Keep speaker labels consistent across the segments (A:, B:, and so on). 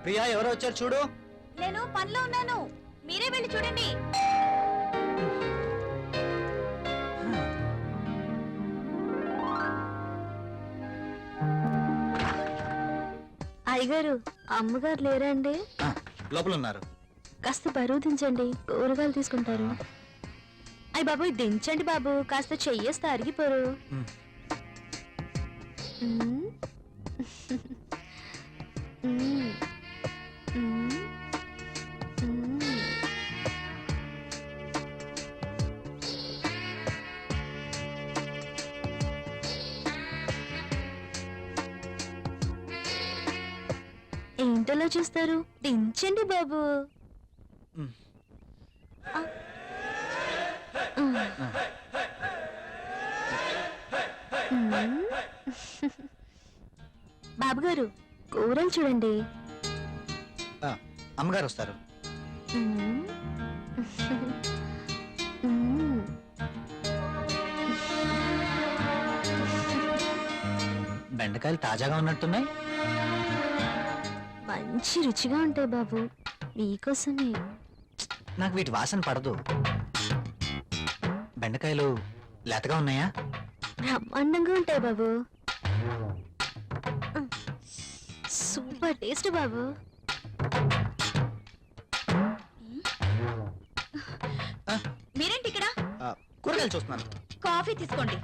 A: ప్రియా ఎవరో వచ్చారు చూడు.
B: నేను పనిలో ఉన్నాను, మీరే వెళ్ళి చూడండి.
C: అయ్యగారు అమ్మగారు లేరండి?
A: లోపల ఉన్నారు.
C: కాస్త బరువు దించండి, కూరగాయలు తీసుకుంటారు. అయ్య బాబు దించండి బాబు, కాస్త చెయ్యేస్తే అరిగిపోరు. ఏంటలా చూస్తారు, దించండి బాబు. బాబుగారు కూరలు చూడండి.
A: అమ్మగారు వస్తారు. బెండకాయలు తాజాగా ఉన్నట్టున్నాయి.
C: మంచి రుచిగా ఉంటాయి బాబు, మీకోసమే.
A: నాకు వీటి వాసన పడదు. బెండకాయలు లేతగా ఉన్నాయా?
C: బ్రహ్మాండంగా ఉంటాయి బాబు, సూపర్ టేస్ట్ బాబు.
B: మీరేంటి ఇక్కడ?
A: కూరగాయలు చూస్తున్నాను.
B: కాఫీ తీసుకోండి.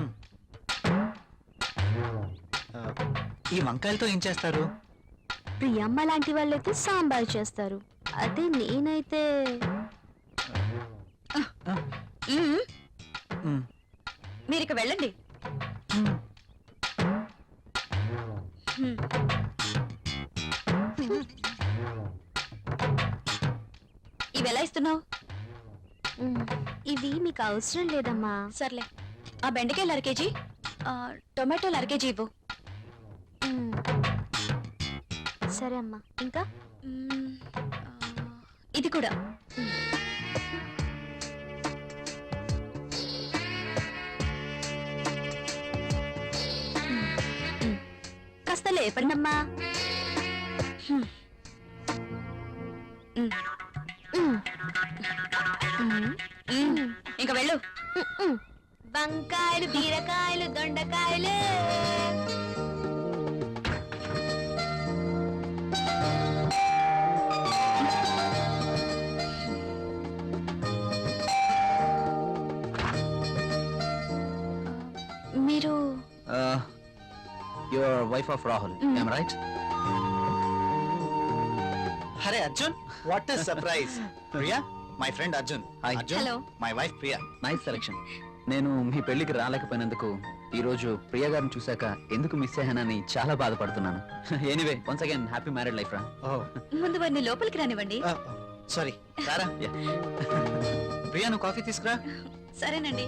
A: ఈ వంకాయలతో ఏం చేస్తారు?
C: ప్రియమ్మ లాంటి వాళ్ళైతే సాంబార్ చేస్తారు, అదే నేనైతే
B: మీరు ఇక వెళ్ళండి. ఇవి ఎలా ఇస్తున్నావు?
C: ఇవి మీకు అవసరం లేదమ్మా.
B: సర్లే, ఆ బెండకాయలు 1/2 కేజీ, టొమాటోలు 1/2 కేజీ ఇవ్వు.
C: సరే అమ్మా. ఇంకా
B: ఇది కూడా. కాస్త లేపండి అమ్మా. ఇంకా వెళ్ళు.
C: వంకాయలు, బీరకాయలు, దొండకాయలు.
B: మీరు
A: your wife of Rahul, I am right? అరే Arjun, what is surprise. Priya, my friend Arjun. Hi Arjun.
B: Hello.
A: My wife Priya.
D: Nice selection. నేను మీ పెళ్లికి రాలేకపోయినందుకు ఈ రోజు ప్రియా గారిని చూశాక ఎందుకు మిస్ అయ్యానని చాలా బాధపడుతున్నాను. Anyway, once again happy married life రా.
B: ముందు వారిని లోపలికి రానివ్వండి.
A: సారీ, రారా. ప్రియా, నువ్వు కాఫీ తీసుకురా.
B: సరేనండి.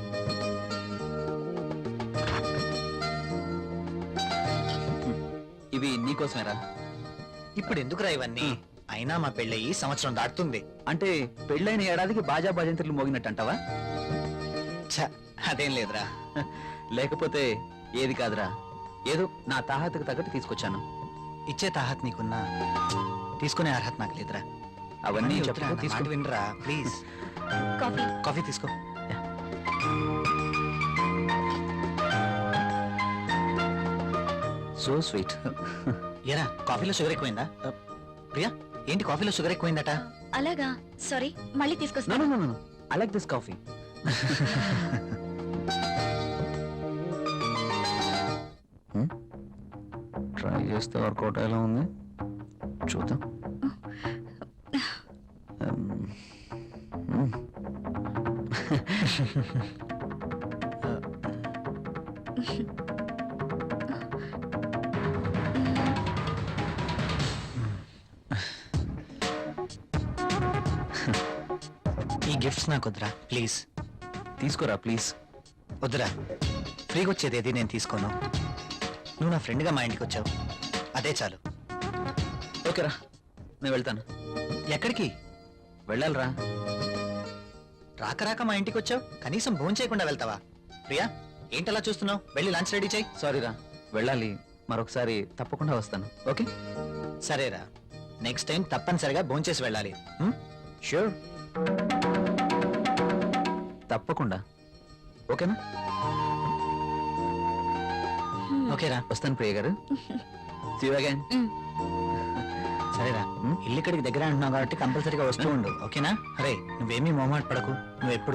D: ఇవి నీకోసమేరా.
A: ఇప్పుడు ఎందుకురా ఇవన్నీ? అయినా మా పెళ్ళయి సంవత్సరం దాటుతుంది.
D: అంటే పెళ్ళైన ఏడాదికి బాజా భజంత్రులు మోగినట్టు అంటావా?
A: అదేం లేదురా.
D: లేకపోతే ఏది కాదురా, ఏదో నా తాహతకు తగ్గట్టు తీసుకొచ్చాను.
A: ఇచ్చే తాహత్ నీకున్నా, తీసుకునే అర్హత నాకు లేదురా.
D: అవన్నీ
A: తీసుకుని వినరా ప్లీజ్.
B: కాఫీ.
A: కాఫీ తీసుకో.
D: So sweet.
A: ఏరా, కాఫీలో షుగర్ ఎక్కువైందా? ప్రియా, ఏంటి కాఫీలో షుగర్ ఎక్కువైందట?
B: అలాగా, సారీ, మళ్ళీ తీసుకొస్తాను.
D: I like this coffee. Try చేస్తే వర్కౌట్ ఎలా ఉంది చూద్దాం.
A: ఈ గిఫ్ట్స్ నాకు వద్దురా ప్లీజ్.
D: తీసుకోరా ప్లీజ్.
A: వద్దురా, ఫ్రీగా వచ్చేది ఏది నేను తీసుకోను. నువ్వు నా ఫ్రెండ్గా మా ఇంటికి వచ్చావు, అదే చాలు.
D: ఓకేరా, నేను వెళ్తాను.
A: ఎక్కడికి
D: వెళ్ళాలిరా.
A: రాక రాక మా ఇంటికి వచ్చావు, కనీసం భోజనం చేయకుండా వెళ్తావా? ప్రియా, ఏంటలా చూస్తున్నావు? వెళ్ళి లంచ్ రెడీ చేయి.
D: సారీరా, వెళ్ళాలి. మరొకసారి తప్పకుండా వస్తాను. ఓకే
A: సరేరా. నెక్స్ట్ టైం తప్పనిసరిగా భోంచేసి వెళ్ళాలి షూర్
D: తప్పకుండా ఓకేనా
A: ఓకేరా
D: వస్తాను ప్రియ గారు See you again.
A: సరేరా ఇల్లు ఇక్కడికి దగ్గర అంటున్నావు కాబట్టి కంపల్సరీగా వస్తూ ఉండు ఓకేనా అరే నువ్వేమీ మొహమాట పడకు నువ్వు ఎప్పుడు